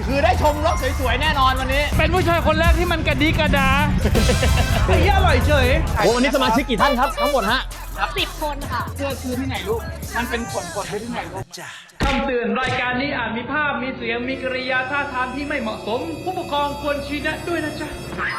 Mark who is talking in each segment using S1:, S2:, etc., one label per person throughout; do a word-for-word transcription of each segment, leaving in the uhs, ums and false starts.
S1: คือได้ชมรถสวยๆแน่นอนวันนี้เป็นผู้ชายคนแรกที่มันกระดิกระดาไอ้เหี้ยอร่อยเฉยโอ้วันนี้สมาชิกกี่ท่านครับทั้งหมดฮะ
S2: สิบคนค่ะ
S1: เสื้อคือที่ไหนลูกมันเป็นขนกดไปที่ไหนลูกคำเตือนรายการนี้อาจมีภาพมีเสียงมีกริยาท่าทางที่ไม่เหมาะสมผู้ปกครองควรชี้แนะด้วยนะจ๊ะ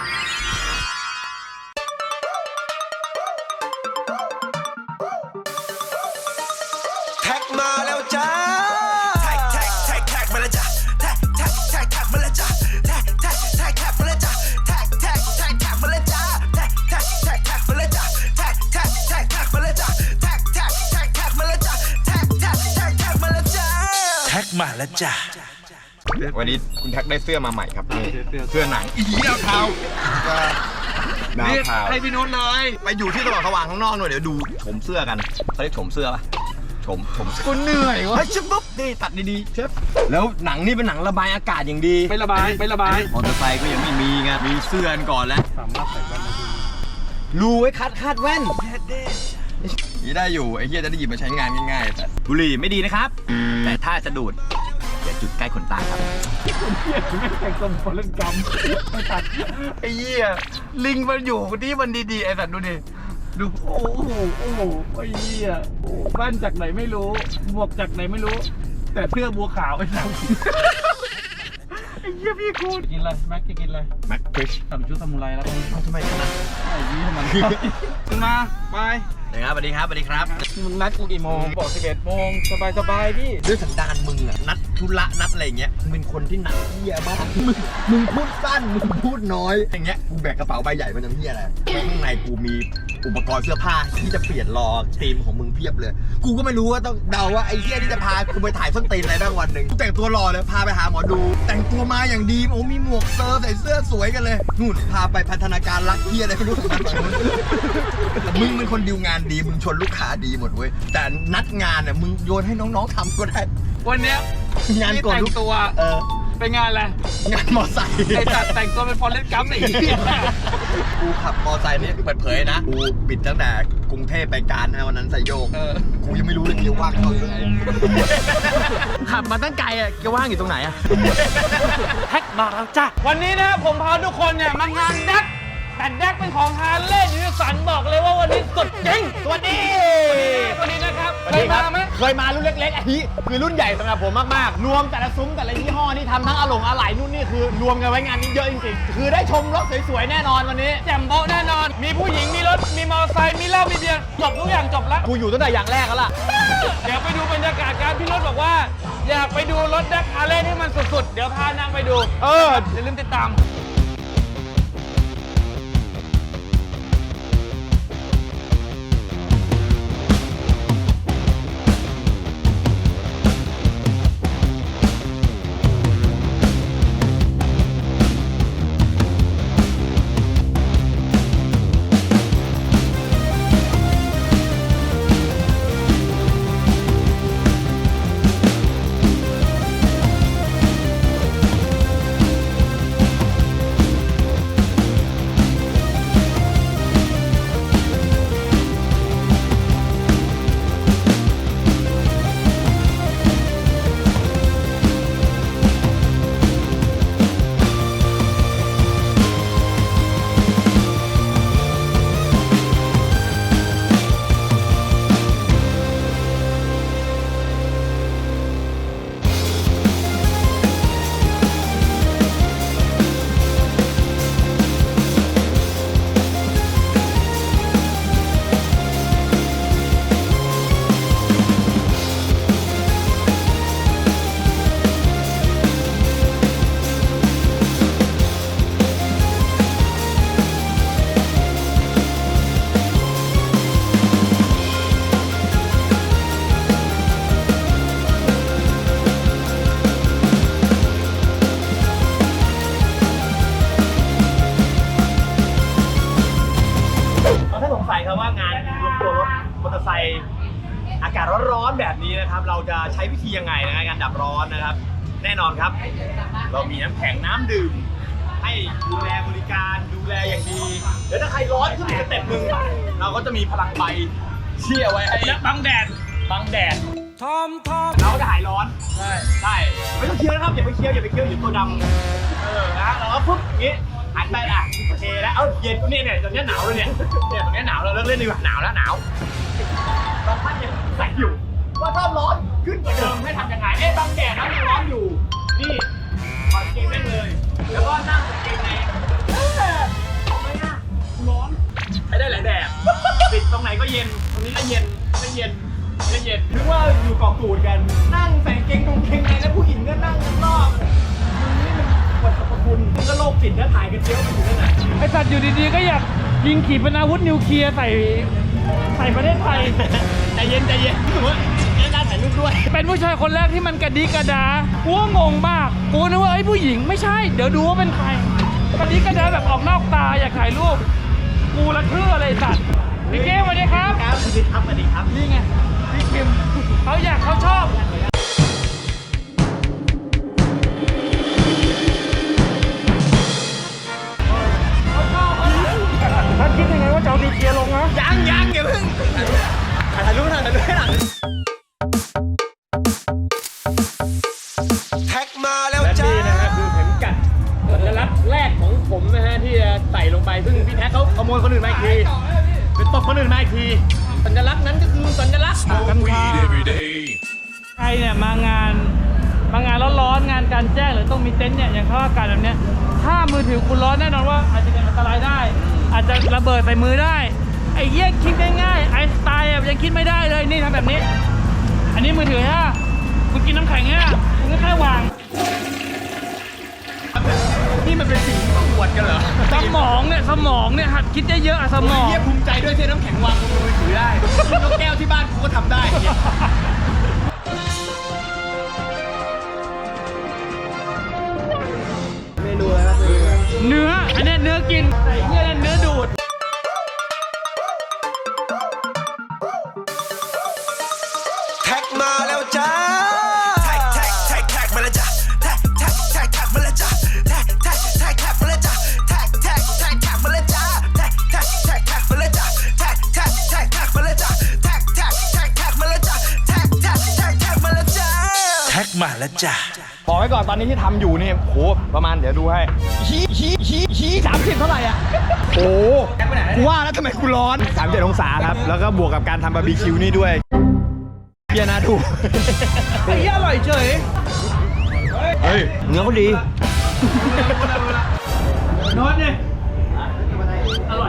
S3: แท็กมาแล้วจ้าแท็กแท็กแท็กแท็กมาแล้วจ้าแท็กแท็กแท็กแท็กมาแล้วจ้าแท็กแท็กแท็กแท็กมาแล้วจ้าแท็กแท็กแท็กแท็กมาแล้วจ้าแท็กแท็กแท็กแท็กมาแล้วจ้าแท็กแท็กแท็กแท็กมาแล้วจ้าแท็กแท็กแท็กแท็กมาแล้วจ้าแท็กแท็กแท็กแท็กมาแล้วจ้าแท็กมาแล้วจ้า
S4: วันนี้คุณแท็กได้เสื้อมาใหม่ครับนี่เสื้อหนังอีดาวเทาดาวเทาให้พี่นุชเลยไปอยู่ที่ตลาดสว่างข้างนอกหน่อยเดี๋ยวดูชมเสื้อกันเขาเรียกชมเสื้อป่ะชมชมกูเหนื่อยวะชิบปุ๊บนี่ตัดดีๆเชฟแล้วหนังนี่เป็นหนังระบายอากาศอย่างดี
S1: ไม่ระบายไม่ระบาย
S4: มอเตอร์ไซค์ก็ยังไม่มีไงมีเสื้อกันก่อนแล้ว
S1: สามารถใส่แว่นได้
S4: รูไว้คัดคาดแว่นนี่ได้อยู่ไอ้เหี้ยจะได้หยิบมาใช้งานง่ายๆแต่บุหรี่ไม่ดีนะครับแต่ถ้าจะดูดอย่าจุดใกล้ขนตาครับ
S1: ไอ้เหี้ยไม่แต่งตัวคนเล่นกรรมไอ้สัตว์
S4: ไอ้เหี้ยลิงมันอยู่ที่มันดีๆไอ้สัตว์ดูดิ
S1: ดูโอ้โหโอ้โหไอ้เหี้ยแว่นจากไหนไม่รู้หมวกจากไหนไม่รู้แต่เสื้อบัวขาวไอ้สัตว์ไอ้เหี้ยพี่กูกินอะไรแม็กจะกินอะไร
S4: แม็กฟิช
S1: ทำชุดซามูไรแล้ว
S4: ทำไมกันนะ
S1: ไอ้ยี่มันขึ้นมาไป
S4: สวัสดีครับสวัสดีครับ
S1: มึงนัดกูกี่โมงบอกสิบเอ็ดโมงสบายสบายพี่
S4: ด้วยสันดานมึงอะนัดธุระนัดอะไรเงี้ยมึงเป็นคนที่นัดเหี้ยมากมึงมึงพูดสั้นมึงพูดน้อยอย่างเงี้ยกูแบกกระเป๋าใบใหญ่มาทำเหี้ยอะไรข้างในกูมีอุปกรณ์เสื้อผ้าที่จะเปลี่ยนรอธีมของมึงเพียบเลยกูก็ไม่รู้ว่าต้องเดาว่าไอ้เหี้ยที่จะพากูไปถ่ายส้นตีนอะไรบ้างวันหนึ่งกูแต่งตัวรอเลยพาไปหาหมอดูแต่งตัวมาอย่างดีโอ้มีหมวกเซอร์ใส่เสื้อสวยกันเลยนู่นพาไปพัฒนาการรักเหี้ยอะไรไม่รู้มึงเป็นคนดิวงานดีมึงชนลูกค้าดีหมดเว้ยแต่นัดงานเนี่ยมึงโยนให้น้องๆทำก็ได้
S1: วันเนี้ย
S4: งานก่อน
S1: แต่งตัวเออไปงานอะไร
S4: งานมอไซค์
S1: ไอ้จัดแต่งตัวเป็นฟอร์เรสต์กัมป์ไอ้เหี้ย
S4: กูขับมอไซค์นี่เปิดเผยนะกูบิดตั้งแต่กรุงเทพไปการนะวันนั้นใส่โยกกูยังไม่รู้เลยเกียร์ว่างเท่าไหร่ขับมาตั้งไกลอ่ะเกียร์ว่างอยู่ตรงไหนอ่ะ
S1: แท็กมาแล้วจ้ะวันนี้นะผมพาทุกคนเนี่ยมางานแดกแต่แดกเป็นของฮาร์เลย์ยูนิสันบอกเลยว่าวันนี้สุดจริงสวัสดีวันนี้นะครับเคยมาไหม
S4: เคยมารุ่นเล็กๆอันนี้คือรุ่นใหญ่สำหรับผมมากๆรวมแต่ละซุ้มแต่ละยี่ห้อนี่ทำทั้งอะหลงอะไหล่นู่นนี่คือรวมกันไว้งานนี้เยอะจริงๆคือได้ชมรถสวยๆแน่นอนวันนี้
S1: แจ่มโบ๊ะแน่นอนมีผู้หญิงมีรถมีมอเตอร์ไซค์มีเหล้ามีเบียร์จบทุกอย่างจบแล้ว
S4: กูอยู่ตั้งแต่อย่างแรกแล้วล่ะ
S1: เดี๋ยวไปดูบรรยากาศการพี่รถบอกว่าอยากไปดูรถแดกฮาร์เลย์ให้มันสุดๆเดี๋ยวพานางไปดู
S4: เออ
S1: อย่าลืมติดตาม
S4: อากาศร้อนๆแบบนี้นะครับเราจะใช้วิธียังไงในการดับร้อนนะครับแน่นอนครับเรามีน้ำแข็งน้ำดื่มให้ดูแลบริการดูแลอย่างดีเดี๋ยวถ้าใครร้อนขึ้นอีกสเต็ปหนึ่งเราก็จะมีพลังไฟเชี่ยไว้ให้
S1: บังแดด
S4: บังแดด
S1: ทอมทอม
S2: เราจะหายร้อนใช่ใช่ไม่ต้องเคี้ยวนะครับอย่าไปเคี้ยวอย่าไปเคี้ยวอยู่ตัวดำเออนะเราก็ปุ๊บอย่างงี้หันไปอ่ะโอเคแล้วเอ้าเย็นเนี่ยเนี่ยตอนนี้หนาวเลยเนี่ยเนี่ยตอนนี้หนาวเราเลิกเล่นดีกว่าหนาวแล้วหนาวบางท่านยังใส่อยู่ว่าถ้าร้อนขึ้นกว่าเดิมให้ทำยังไงเอ๊ะบางแดดนะยังร้อนอยู่นี่ถอดเกงได้เลย แล้วก็นั่งเกงในเออทำไมอ่ะร้อนใช้ได้หลายแบบปิดตรงไหนก็เย็นตรงนี้ก็เย็นก็เย็นก็เย็นนึกว่าอยู่เกาะกูดกันนั่งใส่เกงตรงเกงในแล้วผู้หญิงก็นั่งข้างนอกมึงนี่มันปวดสรรพคุณมึงก็โลกจิตแล้วถ่ายกันเยอะไปอยู่นั่นน่ะ
S1: ไอสัตว์อยู่ดีๆก็อยากยิงขีปนาวุธนิวเคลียร์ใส่ใส่ประเทศไทย
S2: ใจเย็นใจเย็นรู้สึกว่าเล่นน่าถ่ายรูปด้วย
S1: เป็นผู้ชายคนแรกที่มันกระดิกกระดากูก็งงมากกูนึกว่าไอ้ยผู้หญิงไม่ใช่เดี๋ยวดูว่าเป็นใครกระดิกกระดาแบบออกนอกตาอยากถ่ายรูปกูละคืออะไรสัตว์พี่เก้สวัสดีครับ
S2: ครับสวัสดีครับสวัสดีครับ
S1: นี่ไงพี่คิมเขาอยากเขาชอบท่านคิดยังไงว่าจะเอาดีเกียร์ลงนะ
S2: ยังยังอย่าเพิ่งถ่ายรูปหน่อยถ่ายรูปให้หน่อย
S3: แท็กมาแล้ว
S2: และ
S3: จ้า
S2: นี่นะฮะคือเข็มกัดสัญลักษณ์แรกของผมนะฮะที่จะใส่ลงไปซึ่งพี่แท็กเขาขโมยคนอื่นมาอีกทีเป็นตบคนอื่นมาอีกทีสัญลักษณ์นั้นก็คือสัญลักษณ์
S1: กันพาใครเนี่ยมางานมางานร้อนๆงานกลารแจ้งหรือต้องมีเต็นท์เนี่ยอย่างเขาอากาศแบบเนี้ยถ้ามือถือคุณร้อนแน่นอนว่าอาจจะเป็นอันตรายได้ อาจจะระเบิดใส่มือได้ไอ้เหี้ยคิดง่ายๆไอสไตล์อะยังคิดไม่ได้เลยนี่ทำแบบนี้ อันนี้มือถือฮะคุณกินน้ำแข็งฮะคุณก็แค่วาง
S2: นี่มันเป็นสิ่งที่ต้องอวดกันเหรอ
S1: สมองเนี่ยสมองเนี่ยหัดคิดเยอะๆอะสมอง
S2: เฮียภูมิใจด้วยที่น้ำแข็งวางบนมือถือได้นกแก้วที่บ้านกูก็ทำได้เนี่ย เมนูอะไรครับ
S1: เนื้ออันเนี้ยเนื้อกินไอ้เหี้ยนั่นเนื้อดูด
S3: แท็กมาแล้วจ้าแท็กแท็กแท็กแท็กมาแล้วจ้าแท็กแท็กแท็กแท็กมาแล้วจ้าแท็กแท็กแท็กแท็กมาแล้วจ้าแท็กแท็กแท็กแท็กมาแล้วจ้าแท็กแท็กแท็กแท็กมาแล้วจ้าแท็กแท็กแท็กแท็กมาแล้วจ้าแท็กแท็กแท็กแท็กมาแล้วจ้าแท็กแท็กแท็กแท็กมาแล้วจ้าแท็กมาแล้วจ้า
S2: บอกไว้ก่อนตอนนี้ที่ทำอยู่เนี่ยโหประมาณเดี๋ยวดูให้ชี้ชี้ชี้ชี้สามสิบเท่าไหร่อ่ะโอ้กูว่าแล้วทำไมกูร้อนสามสิบเจ็ดองศาครับ แล้วก็บวกกับการทำบาร์บีคิวนี่ด้วยเบียร์นะดู
S1: ไอ้เหี้ยอร่อยเฉย
S2: เฮ้ยเนื้อเขาดี
S1: โน้ตเนี่ยอร่อย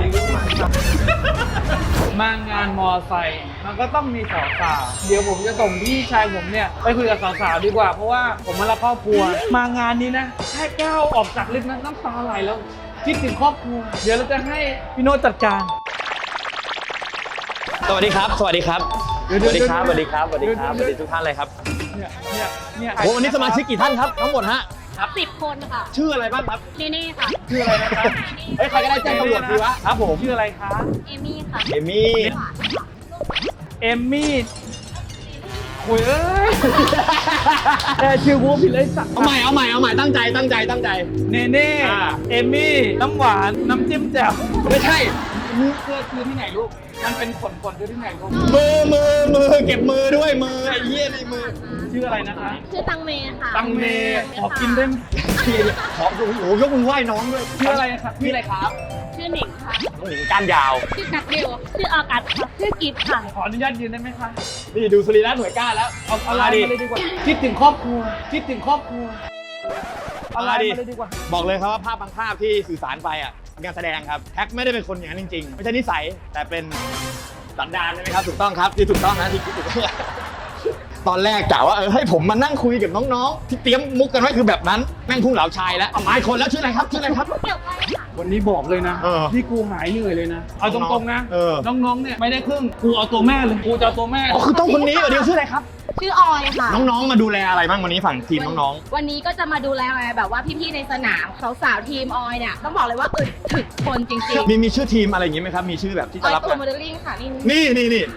S1: มางานมอไซค์มันก็ต้องมีสาวๆเดี๋ยวผมจะส่งพี่ชายผมเนี่ยไปคุยกับสาวๆดีกว่าเพราะว่าผมมารับครอบครัวมางานนี้นะแค่ก้าวออกจากลิฟต์นั้นน้ำตาไหลแล้วคิดถึงครอบครัวเดี๋ยวเราจะให้พี่โน้ตจัดการ
S2: สวัสดีครับ สวัสดีครับ
S1: เดี๋ยว
S2: สวัสดีครับ
S1: เดี๋
S2: ส
S1: ยว
S2: วัสดีครับ สวัสดีครับ ส
S1: เดี๋ยว
S2: วัสดีทุกท่านเลยครับ
S1: เนี่ยเนี่ยเนี่ย
S2: โอ้วันนี้สมาชิกกี่ท่านครับ ทั้งหมดฮะ
S5: สิบคนค่ะ
S2: ชื่ออะไรบ้างครับ
S5: เนเน่ค่ะ
S2: ชื่ออะไรนะครับ เฮ้ย ใครก็ได้แจ้งตำรวจทีวะ ครับผม
S1: ชื่ออะไรคะ
S5: เอมี่ค่ะ
S2: เอมี่
S5: หวานค่ะ
S1: เอมมี่โอ้ยเอ้ยแค่ชื่อกูผิดเลยสัก
S2: เอาใหม่ เอาใหม่ เอาใหม่ ตั้งใจ ตั้งใจ ตั้งใจ
S1: เนเน่
S2: อ่า
S1: เอมมี่ น้ำหวาน น้ำจิ้มแจ่ว
S2: ไม่ใช่
S1: มือเสื้อคือที่ไหนลูก มันเป็นขนขนๆคือที่ไหนลูก
S2: มือ มือ มือ เก็บมือด้วย มือ ไอ้เหี้ยในมือ
S1: ชื่ออะไรนะคะ
S5: ชื่อตังเมค่ะ
S1: ตังเมขอกินได้ไหม
S2: ขอโอ้โหยกมือไหว้น้องด้วย
S1: ชื่ออะไรครับ
S2: ชื่ออะไรครับ
S5: ชื่อหนิงค่ะ
S2: น้องหนิงก้านยาว
S5: ชื่อกัดเบลชื่อออกัสค่ะ ชื่อกิฟค่ะ
S1: ขออนุญาตยืนได้ไหมคะ
S2: นี่ดูสรีระหน่วยก้านแล้ว
S1: เอาเอาไลน์มาเลยดีกว่า คิดถึงครอบครัว คิดถึงครอบครัวเอาไลน์มาเลยดีกว่า
S2: บอกเลยครับว่าภาพบางภาพที่สื่อสารไปอ่ะเป็นการแสดงครับแท็กไม่ได้เป็นคนอย่างนั้นจริงๆ ไม่ใช่นิสัยแต่เป็นสันดานใช่ไหมครับถูกต้องครับที่ถูกต้องนะที่คิดถูกต้องตอนแรกกะว่าเออให้ผมมานั่งคุยกับน้องๆ ที่เตรียมมุกกันไว้คือแบบนั้นแม่งพุ่งเหลาชายแล้วเอาไม้คนแล้วชื่ออะไรครับชื่ออะไรครับ
S5: เกี่ยวไปค่ะ
S1: วันนี้บอกเลยนะ
S2: เออ
S1: ที่กูหายเหนื่อยเลยนะ เอาตรงๆนะ
S2: เออ
S1: น้องๆ เนี่ยไม่ได้ครึ่ง กูเอาตัวแม่เลย กูจะเอาตัวแม่
S2: อ๋อคือต้องคนนี้เหรอเดี๋ยวชื่ออะไรครับ
S5: ชื่อออยค่ะ
S2: น้องๆมาดูแลอะไรบ้างวันนี้ฝั่งทีมน้อง
S5: วันนี้ก็จะมาดูแลแบบว่าพี่ๆในสนามสาวๆทีมออยเนี่ยต้องบอกเลยว่าอึดถึกคนจริง
S2: ๆ มีมีชื่อทีมอะไรอย่างงี้ไหมครับมีชื่อแบบที่
S5: ๆอ
S2: จะ
S5: อย
S2: รับ
S5: ตัวโมเดลลิ่งค่ะนี่
S2: นี่นี่นี่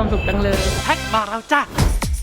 S1: สุขจังเลยแท็กมาแล้วจ้า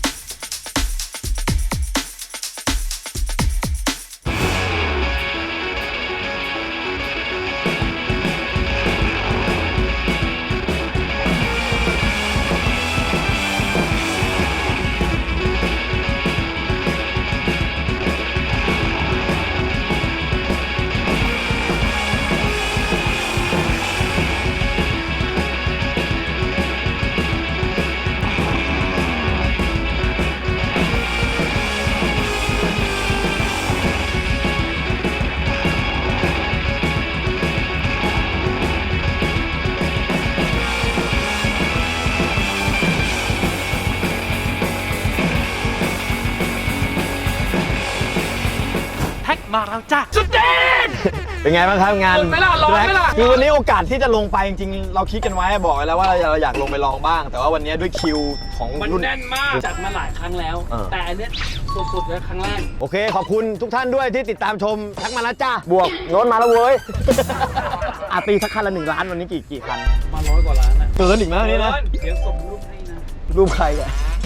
S1: แท็กมาแล้วจ้าสุดจริง
S4: เป็นไงบ้างครับงาน
S1: ร้อนไหมล่ะร้อนไหมล่ะ
S4: คือวันนี้โอกาสที่จะลงไปจริงๆ เราคิดกันไว้บอกไว้แล้วว่าเราอยากลงไปลองบ้าง แต่ว่าวันนี้ด้วยคิวของ
S1: มัน
S4: รุ่น
S1: แน่นมากจัดมาหลายครั้งแล้ว
S4: เออ
S1: แต่อันเนี้ยสุดๆเลยครั้งแรก
S4: โอเค ขอบคุณทุกท่านด้วยที่ติดตามชมทักมาแล้วจ้าบวกโน้ตมาแล้วเว้ย อาตีสักคันละหนึ่งล้านวันนี้กี่กี่คัน
S1: มาร้อยกว่าล้านนะ
S4: เกินอีกมั้ยนี่นะ
S1: เดี๋ยวส่งรูปให้นะ
S4: รูปใครอะ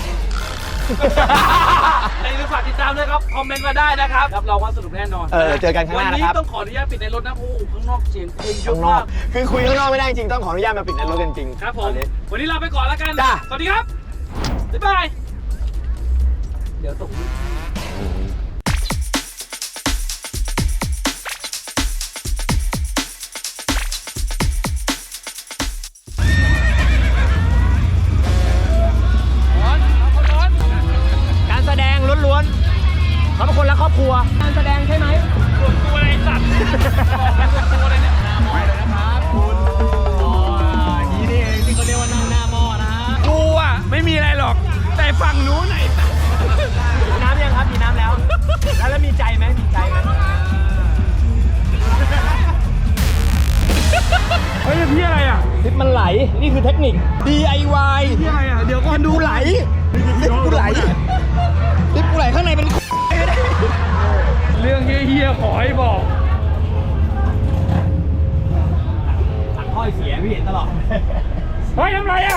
S1: ในรูปฝากติดตามด้วยครับ คอมเมนต์มาได้นะครับรับรองว่าสนุกแน่นอน
S4: เออเจอกันข้างห
S1: วัน
S4: น้านะ
S1: นี้
S4: ครับ
S1: ต้องขออนุญาตปิดในรถนะเพราะว่าข้างนอกเสียงเพลงเย
S4: ข้า
S1: อะ
S4: งนอ
S1: มาก ก
S4: คือคุยข้างนอกไม่ได้จริงต้องขออนุญาตมาปิดในรถกันจริง
S1: ครับผ
S4: ต
S1: ม
S4: อนนี้
S1: วันนี้ลาไปก่อนแล้วกัน
S4: จ้า
S1: สวัสดีครับ บ๊ายบาย เดี๋ยวตกรูป
S2: การแสดงล้วนๆเขาเป็นคนรักครอบครัวการแสดงใช่ไหม
S1: ส่วนตัวอะไรสัตว์ส่วนตัวอะไรเนี่ย
S2: ไปเลยนะครับคุณอ๋ออย่างนี้นี่เองที่เขาเรียกว่านั่งหน้าหม้อนะฮะ
S1: กูอ่ะไม่มีอะไรหรอก แต่ฝั่งนู้นไหนสัตว์
S2: มีน้ำยังครับมีน้ำแล้ว แล้วแล้วมีใจไหมมีใจไหม
S1: เฮ้ยพี่อะไรอ่ะ
S2: ลิฟต์มันไหลนี่คือเทคนิค ดี ไอ วาย
S1: พี่อะไรอ่ะ เดี๋ยวก่อนดู
S2: กูไหลลิฟต์กูไหลลิฟต์กูไหลข้างในเป็น
S1: เรื่องเฮี้ยๆขอให้บอก
S2: ถังถ้อยเสียพี่เห็นตลอด
S1: เฮ้ยทำไรอ่ะ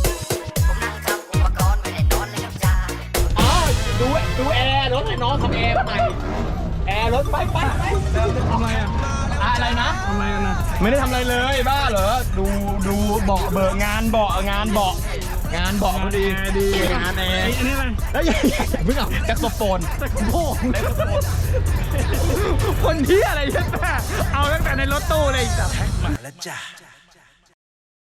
S2: อ๋อดูดูแอร์รถให้น้องทำแอร์ใหม่แอร์รถไปไปไป
S1: ทำไรอ่ะ
S2: อะไรนะ
S1: ทำไรกันนะ
S2: ไม่ได้ทำอะไรเลยบ้าเหรอดูดูเบาะเบิกงานเบาะงานเบาะงานเบาะพอดีดีงานแอร์
S1: อันนี้อะไร
S2: แล้วอย่าอย่าเพิ่งเอาแจ็คโซโฟนโอ้โหแจ็คโซโฟนคนที่อะไรใช่ไหมเอาตั้งแต่ในรถตู้เลยจ้ะ
S3: มาแล้วจ้ะ